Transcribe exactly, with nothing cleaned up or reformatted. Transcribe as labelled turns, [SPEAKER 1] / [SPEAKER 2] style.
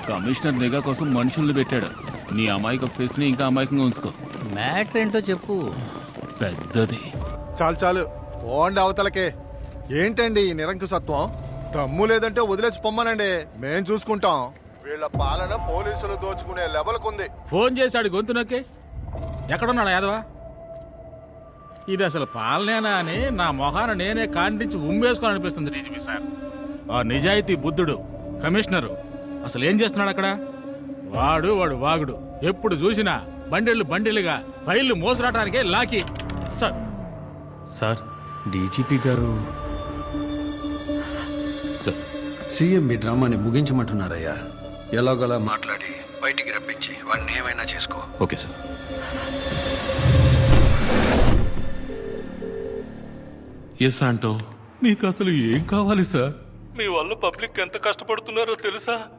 [SPEAKER 1] Commissioner నిఘా కోసం మనుషుల్ని పెట్టాడు. నీ అమాయక ఫేస్ ని ఇంకా అమాయకంగా ఉంచుకో.
[SPEAKER 2] మ్యాటర్ ఏంటో చెప్పు.
[SPEAKER 1] పెద్దది.
[SPEAKER 3] చాలు చాలు పోండి అవతలకే. ఏంటండి ఈ నిరంకుశత్వం? దమ్ము లేదంటే వదిలేసి పొమ్మనండి, మేం చూసుకుంటాం. వీళ్ళ పాలన పోలీసులు దోచుకునే లెవెల్కుంది.
[SPEAKER 4] ఫోన్ చేశాడు గొంతు నొక్కి. ఎక్కడున్నాడు యాదవా? ఇది అసలు పాలనేనా అని నా మొహాన నేనే కాండించి ఉమ్మేసుకోని అనిపిస్తుంది డీజీపీ సార్. ఆ నిజాయితీ బుద్ధుడు కమిషనరు అసలు ఏం చేస్తున్నాడు అక్కడ? వాడు వాడు వాగుడు ఎప్పుడు చూసినా బండిళ్ళు బండిలుగా ఫైళ్లు మోసరాటానికే లాకి. సార్
[SPEAKER 5] సార్ డీజీపీ గారు
[SPEAKER 6] సార్ సీఎం మీ డ్రామాని ముగించమంటున్నారయ్యా. ఎలాగోలా మాట్లాడి బయటికి రప్పించి వాడిని ఏమైనా చేసుకో.
[SPEAKER 5] Okay sir. ఎస్ ఆంటో, మీకు అసలు ఏం కావాలి సార్?
[SPEAKER 4] మీ వల్ల పబ్లిక్ ఎంత కష్టపడుతున్నారో తెలుసా?